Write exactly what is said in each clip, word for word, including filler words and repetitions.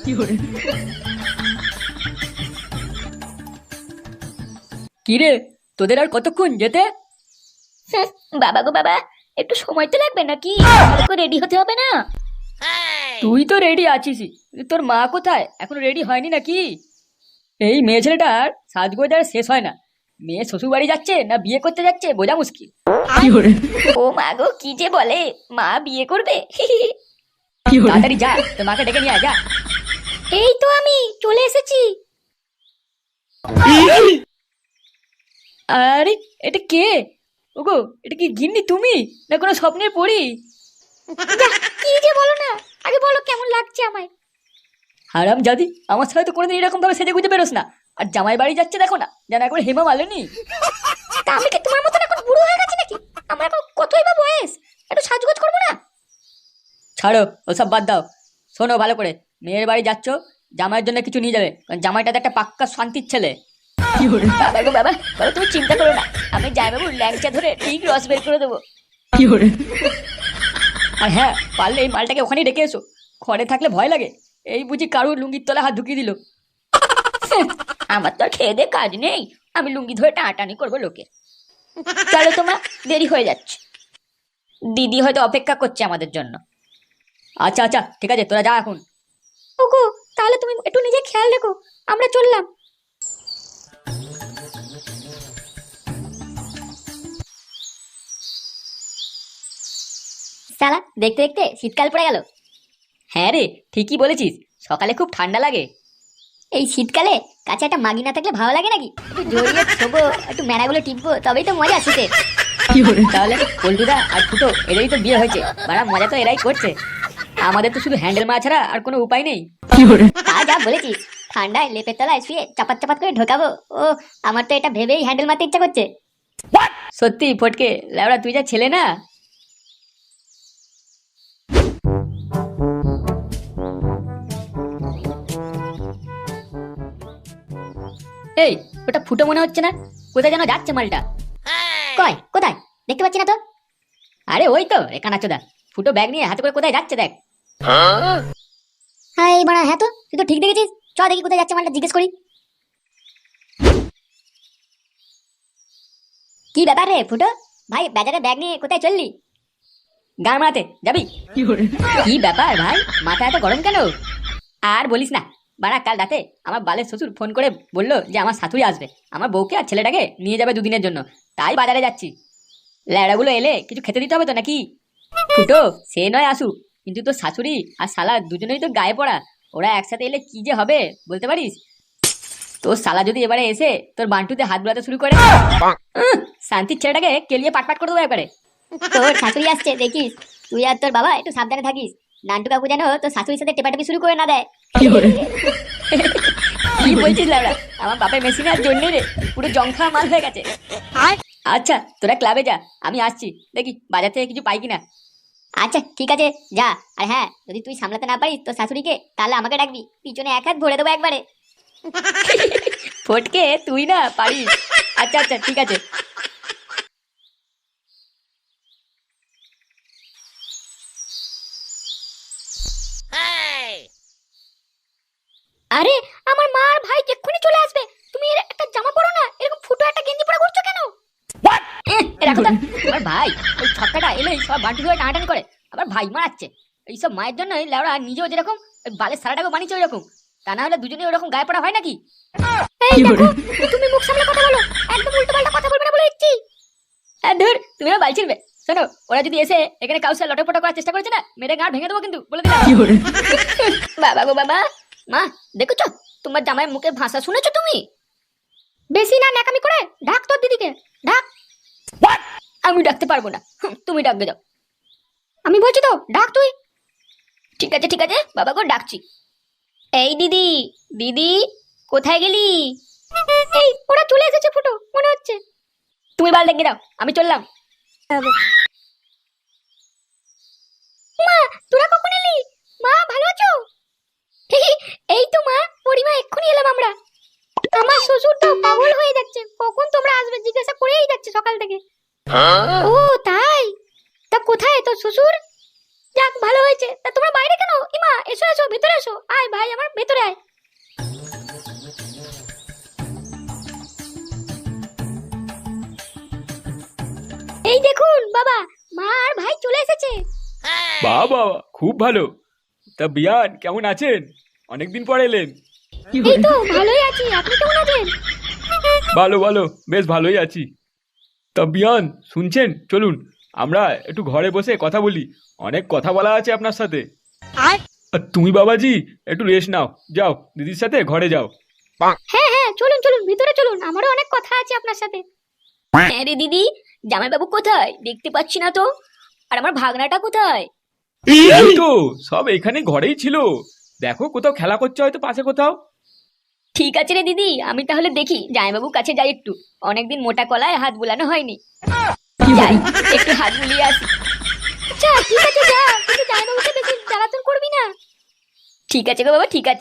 কিরে, তোদের আর কতক্ষণ যেতে? বাবা গো বাবা, একটু সময় তো লাগবে নাকি? ভালো করে রেডি হতে হবে না? তুই তো রেডি আছিস, তোর মা কোথায়? এখনো রেডি হয়নি নাকি? এই মেয়ে ছেলেটার সাজগোজ আর শেষ হয় না। মেয়ে শ্বশুর বাড়ি যাচ্ছে না বিয়ে করতে যাচ্ছে বোঝা মুশকিল। ও মা গো, কি যে বলে, মা বিয়ে করবে? তাড়াতাড়ি যা, তোর মাকে ডেকে নিয়ে আয়, যা। এই তো আমি চলে এসেছি। আরে এটা কে? ওগো, এটা কি গিন্নি তুমি না কোনো স্বপ্নের পরি? কি যে বলো না, আগে বলো কেমন লাগছে আমায়। হারাম জাদি, আমার সাথে তো কোনোদিন এরকম ভাবে সেজে গুজে বেরোস না। আর জামাই বাড়ি যাচ্ছে দেখো না, যেন একবার হেমা মালেনি। তা আমি কি তোমার মতন এখন বুড়ো হয়ে গেছি নাকি? আমার এখন কতই বা বয়স, একটু সাজগোজ করবো না? ছাড়ো ওসব বাদ দাও। শোনো ভালো করে, মেয়ের বাড়ি যাচ্ছ, জামাইয়ের জন্য কিছু নিয়ে যাবে, কারণ জামাইটা তো একটা পাক্কা শান্তির ছেলে। বাবা গো বাবা, বাবা তুমি চিন্তা করো না, আমি জামাইবাবুর ল্যাংচা ধরে ঠিক রস বের করে দেবো। আর হ্যাঁ, পারলে এই মালটাকে ওখানেই রেখে এসো। ঘরে থাকলে ভয় লাগে, এই বুঝি কারুর লুঙ্গির তলায় হাত ঢুকিয়ে দিল। আমার তো আর খেয়ে দে কাজ নেই, আমি লুঙ্গি ধরে টানাটানি করবো লোকে। চলো তোমার, দেরি হয়ে যাচ্ছে। দিদি হয়তো অপেক্ষা করছে আমাদের জন্য। আচ্ছা আচ্ছা ঠিক আছে, তোরা যা এখন। ওগো, তাহলে তুমি একটু নিজে খেয়াল রেখো, আমরা চললাম। সালা, দেখতে দেখতে শীতকাল পড়ে গেল। হ্যাঁ রে, ঠিকই বলেছিস, সকালে খুব ঠান্ডা লাগে। এই শীতকালে কাছে একটা মাগি না থাকলে ভালো লাগে নাকি? একটু জড়িয়ে ছোবো, একটু মেড়াগুলো টিপবো, তবেই তো মজা শীতে। তাহলে পল্টুদা আর ফুটো এদেরই তো বিয়ে হয়েছে, বাড়া মজা তো এরাই করছে। আমাদের তো শুধু হ্যান্ডেল মারা ছাড়া আর কোনো উপায় নেই। তা যা বলেছিস, ঠান্ডায় লেপের তলায় শুয়ে চাপাত চাপাত করে ঢোকাবো। ও, আমার তো এটা ভেবেই হ্যান্ডেল মারতে ইচ্ছা করছে। সত্যি ফটকে, লেওড়া তুই যা ছেলে না। এই, ওটা ফুটো মনে হচ্ছে না? কোথায় যেন যাচ্ছে মালটা। কয় কোথায়? দেখতে পাচ্ছি না তো। আরে ওই তো রে কানাচোদা, ফুটো ব্যাগ নিয়ে হাতে করে কোথায় যাচ্ছে দেখ। হ্যাঁ এই বাড়া, হ্যাঁ তো তুই তো ঠিক দেখেছিস। চ দেখি কোথায় যাচ্ছে মালটা, জিজ্ঞেস করি। কি ব্যাপার রে ফুটো ভাই, বাজারে ব্যাগ নিয়ে কোথায় চললি? গান মারাতে যাবি? কি ব্যাপার ভাই, মাথা এত গরম কেন? আর বলিস না, বাড়া কাল রাতে আমার বালের শ্বশুর ফোন করে বললো যে আমার শাশুড়ি আসবে, আমার বউকে আর ছেলেটাকে নিয়ে যাবে দুদিনের জন্য, তাই বাজারে যাচ্ছি। ল্যাড়াগুলো এলে কিছু খেতে দিতে হবে তো নাকি? ফুটো সে নয় আসুক, কিন্তু তোর শাশুড়ি আর শালা দুজনেই তো গায়ে পড়া, ওরা একসাথে এলে কি যে হবে বলতে পারিস? তোর শালা যদি এবারে এসে তোর বান্টুতে হাত বোলাতে শুরু করে, উহ, শান্তির ছেলেটাকে কেলিয়ে পাটপাট করে দেবো একবারে। তোর শাশুড়ি আসছে দেখিস, তুই আর তোর বাবা একটু সাবধানে থাকিস। নান্টু কাকু যেন তোর শাশুড়ির সাথে টেপাটেপি শুরু করে না দেয়। কি বলছিস ল্যাবড়া, আমার বাপের মেশিন আর জন্য রে, পুরো জংখা মাল হয়ে গেছে। আচ্ছা তোরা ক্লাবে যা, আমি আসছি, দেখি বাজার থেকে কিছু পাই কিনা। আচ্ছা ঠিক আছে, যা। আর হ্যাঁ, যদি তুই সামলাতে না পারিস তোর শাশুড়িকে, তাহলে আমাকে ডাকবি, পিছনে এক হাত ভরে দেবো একবারে। ফটকে তুই না পারিস। আচ্ছা আচ্ছা ঠিক আছে। আরে আমার মা আর ভাই এক্ষুনি চলে আসবে, তুমি এর একটা জামা পরো না, এরকম ফুটো একটা গেঞ্জি পরে ঘুরছো কেন? রাখো তো, আমার ভাই ওই ছক্কাটা এলেই সব বান্টু ধরে টানাটানি করে, আবার ভাই মারাচ্ছে। এইসব মায়ের জন্য লেওড়া নিজেও যেরকম ওই বালের সারাটাকে বানিয়েছে ওই রকম, তা না হলে দুজনে ওরকম গায়ে পড়া হয় নাকি? এই দেখো, তুমি মুখ সামলে কথা বলো, একদম উল্টো পাল্টা কথা বলবে না বলে দিচ্ছি। আর ধর তুমি আমার বাল ছিড়বে। শোনো, ওরা যদি এসে এখানে কাউকে লটপটা করার চেষ্টা করেছে না, মেরে গাঁট ভেঙে দেবো কিন্তু, বলে দিলাম। বাবা গো বাবা, মা দেখেছো তোমার জামাইয়ের মুখে ভাষা শুনেছো তুমি? বেশি না ন্যাকামি করে ঢাক তোর দিদিকে, ঢাক। আমি ডাকতে পারবো না, হুম, তুমি ডাকবে যাও। আমি বলছি তো ডাক তুই। ঠিক আছে ঠিক আছে বাবা গো, ডাকছি। এই দিদি, দিদি কোথায় গেলি? এই ওরা চলে এসেছে ফুটো মনে হচ্ছে। তুমি বাল ডেকে দাও, আমি চললাম। মা তোরা কখন এলি? মা ভালো আছো? এই তো মা, পরিমা এক্ষুনি এলাম আমরা। আমার শ্বশুর তো পাগল হয়ে যাচ্ছে, কখন তোমরা আসবে জিজ্ঞাসা করেই যাচ্ছে সকাল থেকে। ও তাই? তা কোথায় তোর শ্বশুর? যাক ভালো হয়েছে। তা তোমরা বাইরে কেন? ইমা এসো এসো ভেতরে এসো। আয় ভাই আমার ভেতরে আয়। এই দেখুন বাবা, মা আর ভাই চলে এসেছে। বাবা খুব ভালো। তা বিয়ান কেমন আছেন? অনেকদিন পর এলেন। এই তো ভালোই আছি, আপনি কেমন আছেন? ভালো ভালো, বেশ ভালোই আছি। তা বিয়ান শুনছেন, চলুন আমরা একটু ঘরে বসে কথা বলি, অনেক কথা বলা আছে আপনার সাথে। আর তুমি বাবাজি একটু রেস্ট নাও, যাও দিদির সাথে ঘরে যাও। হ্যাঁ হ্যাঁ চলুন চলুন ভিতরে চলুন, আমারও অনেক কথা আছে আপনার সাথে। হ্যাঁ রে দিদি, জামাইবাবু কোথায় দেখতে পাচ্ছি না তো? আর আমার ভাগনাটা কোথায়? এই তো সব এখানে ঘরেই ছিল, দেখো কোথাও খেলা করছে হয়তো পাশে কোথাও। ঠিক আছে রে দিদি, আমি তাহলে দেখি জামাইবাবুর কাছে যাই একটু, অনেকদিন মোটা কলায় হাত বুলানো হয়নি। যাই একটু হাত বুলিয়ে আসি। আচ্ছা ঠিক আছে যা, কিন্তু জামাইবাবুকে বেশি জ্বালাতন করবি না। ঠিক আছে গো বাবা, ঠিক আছে।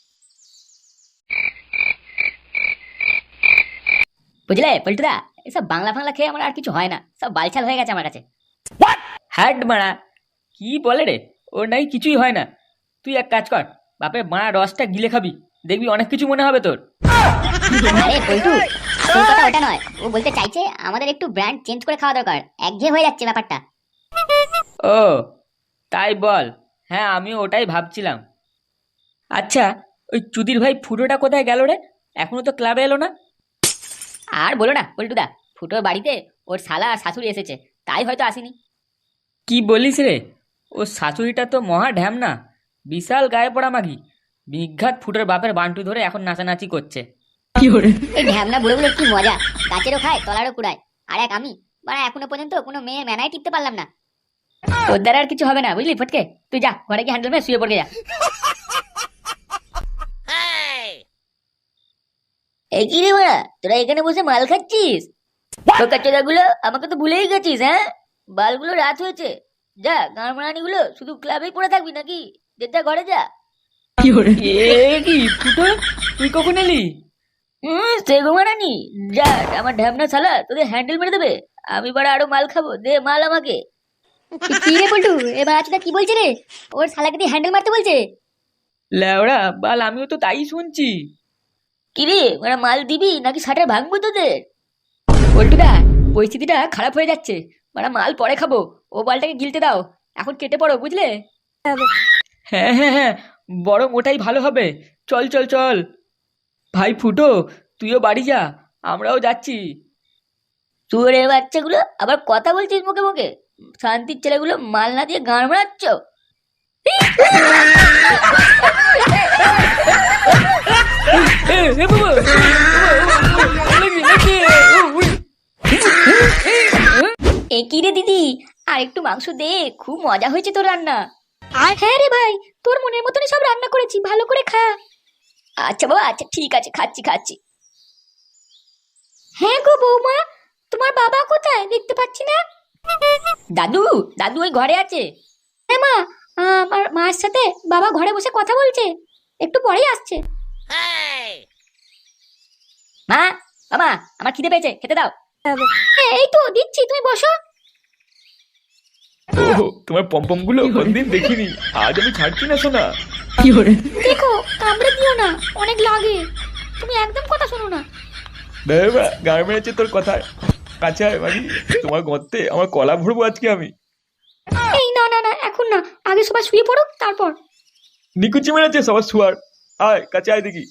বুঝলে পল্টুদা, এসব বাংলা ফাংলা খেয়ে আমার আর কিছু হয় না, সব বালছাল হয়ে গেছে আমার কাছে। হ্যাট মারা, কি বলে রে, ওর নাই কিছুই হয় না। তুই এক কাজ কর, বাপের মারা রসটা গিলে খাবি, দেখবি অনেক কিছু মনে হবে তোর। আরে পল্টু, আসল কথা ওটা নয়। ও বলতে চাইছে আমাদের একটু ব্র্যান্ড চেঞ্জ করে খাওয়া দরকার, একঘেয়ে হয়ে যাচ্ছে ব্যাপারটা। ও তাই বল, হ্যাঁ আমিও ওটাই ভাবছিলাম। আচ্ছা ওই চুদির ভাই ফুটোটা কোথায় গেল রে? এখনো তো ক্লাবে এলো না। আর বলো না পল্টুদা, ফুটোর বাড়িতে ওর শালা আর শাশুড়ি এসেছে, তাই হয়তো আসেনি। কি বলিস রে, ও শাশুড়িটা তো মহা ঢ্যামনা, বিশাল গায়ে পড়া মাগি, বিঘাত ফুটোর বাপের বান্টু ধরে এখন নাচানাচি করছে। এই ঢ্যামনা বুড়োগুলোর কি মজা, গাছেরও খায় তলারও কুড়ায়। আর এক আমি, মানে এখনো পর্যন্ত কোনো মেয়ে মেনায় টিপতে পারলাম না। তোর দ্বারা আর কিছু হবে না বুঝলি ফটকে, তুই যা ঘরে গিয়ে হ্যান্ডেল মেরে শুয়ে পড়ে যা। এই কি রে মারা, তোরা এখানে বসে মাল খাচ্ছিস? টোকাচোদা গুলো আমাকে তো ভুলেই গেছিস। হ্যাঁ, বালগুলো রাত হয়েছে, যা গাঁড়মারানি গুলো শুধু ক্লাবেই পড়ে থাকবি নাকি? যে যা ঘরে যা। এ কি ফুটো, তুই কখন এলি? হুম, সে ঘুমারানি যা, আমার ঢ্যামনা শালা তোদের হ্যান্ডেল মেরে দেবে। আমি বাড়া আরো মাল খাবো, দে মাল আমাকে। কি রে পল্টু, এবার আজটা কি বলছে রে? ওর শালাকে দিয়ে হ্যান্ডেল মারতে বলছে? ল্যাওড়া বাল, আমিও তো তাই শুনছি। কি রে, ওরা মাল দিবি নাকি শাটার ভাঙবো তোদের? পল্টুদা, পরিস্থিতিটা খারাপ হয়ে যাচ্ছে, মানে মাল পরে খাবো, ও বালটাকে গিলতে দাও, এখন কেটে পড়ো বুঝলে। হ্যাঁ হ্যাঁ হ্যাঁ, বরং ওটাই ভালো হবে। চল চল চল ভাই ফুটো, তুইও বাড়ি যা, আমরাও যাচ্ছি। চুরের বাচ্চাগুলো আবার কথা বলছিস মুখে মুখে, শান্তির ছেলেগুলো মাল না দিয়ে গান মারাচ্ছ। এ, এ বাবা, এ কি রে দিদি, আর একটু মাংস দে, খুব মজা হয়েছে তোর রান্না। আর হ্যাঁ রে ভাই, তোর মনের মতনই সব রান্না করেছি, ভালো করে খা। আচ্ছা বাবা, আচ্ছা ঠিক আছে, খাচ্ছি খাচ্ছি। হ্যাঁ গো বৌমা, তোমার বাবা কোথায় দেখতে পাচ্ছি না? দাদু, দাদু ওই ঘরে আছে। হ্যাঁ মা, আমার মার সাথে বাবা ঘরে বসে কথা বলছে, একটু পরেই আসছে। মা, মামা, আমার খিদে পেয়েছে, খেতে দাও। হ্যাঁ এই তো দিচ্ছি, তুমি বসো। ও তোমার পম্পম গুলো কোনদিন দেখিনি, আজ আমি ছাড়ছি না শোনা। দেখো কামড়ে দিও না, অনেক লাগে, তুমি একদম কথা শোনো না। দেবা গায়ে মেরেছে তোর কথা, কাছে আয় বাড়ি, তোমার গর্তে আমার কলা ভরবো আজকে আমি। এই না না না, এখন না, আগে সবাই শুয়ে পড়ো তারপর। নিকুচি মেরেছে সবার শুয়ার, আয় কাছে আয় দেখি।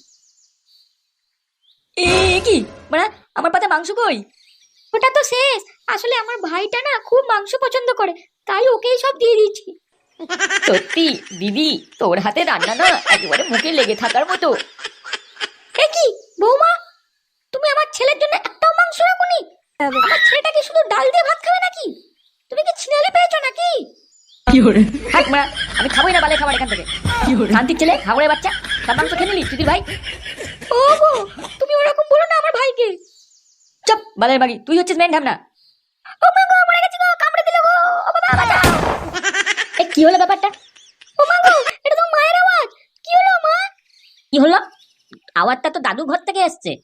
এ কি মানে, আমার পাতে মাংস কই? ওটা তো শেষ, আসলে আমার ভাইটা না খুব মাংস পছন্দ করে, তাই ওকেই সব দিয়ে দিয়েছি। সত্যি দিদি, তোর হাতে রান্না না একেবারে মুখে লেগে থাকার মতো। এ কি বৌমা, তুমি আমার ছেলের জন্য একটাও মাংস রাখোনি? আমার ছেলেটা কি শুধু ডাল দিয়ে ভাত খাবে নাকি? তুমি কি ছিনালে পেয়েছো নাকি? হাট মারা, আমি খাবোই না বালে খাবার এখান থেকে। শান্তির ছেলে, হাগুড়ের বাচ্চা, সব মাংস খেয়ে নিলি দিদির ভাই। ও গো, তুমি ওরকম বলো না আমার ভাইকে। চপ বালের বাড়ি, তুই হচ্ছিস মেন ঢামনা। ও মা গো, মরে গেছি গো, কামড়ে দিল গো, ও বাবা বাঁচাও। এ কি হলো ব্যাপারটা? ও মা গো, এটা তো মায়ের আওয়াজ। কি হলো মা? কি হলো? আওয়াজটা তো দাদু ঘর থেকে এসছে।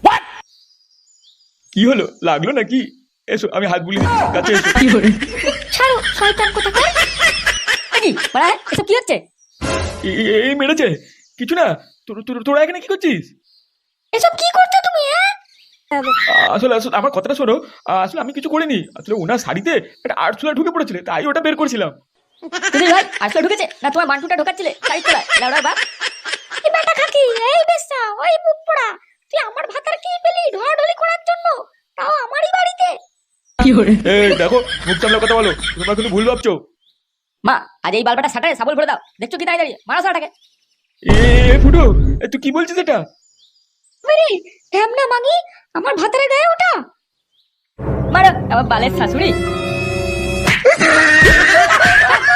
কি হলো, লাগলো নাকি? এসো আমি হাত বুলিয়ে দিচ্ছি, কাছে এসো। ছাড়ো শয়তান কোথাকার। কি বাড়া এসব কি হচ্ছে? এ- এ- এই মেরেছে কিছু না। তোর- তোর- তোরা এখানে কি করছিস? এসব কি করছো তুমি হ্যাঁ? আসলে আসলে আমার কথাটা শোনো। আসলে আমি কিছু করিনি। আসলে ওনার শাড়িতে একটা আরশোলা ঢুকে পড়েছিল, তাই ওটা বের করছিলাম। চুদির ভাই আসলে ঢুকেছে না তোমার বান্টুটা ঢোকাচ্ছিলে শাড়ির তলায়? লাউড়া বাপ। এই বেটা কাকি, এই বেশ্যা, ওই মুখ পোড়া, তুই আমার ভাতার কি পেলি ঢলাঢলি করার জন্য, তাও আমারই বাড়িতে। এই দেখো, মুখ সামলে কথা বলো, তোমরা কিন্তু ভুল ভাবছো। মা আজ এই বালবাটা সাটারে সাবল ভরে দাও। দেখছো কি দাঁড়িয়ে দাঁড়িয়ে মারা সাটাকে। এ এ, ফুটু, এ, তুই কি বলছিস এটা? মেরে ঢ্যামনা মাগি, আমার ভাতারে গায়ে ওটা। মারো আমার বালের শাশুড়ি।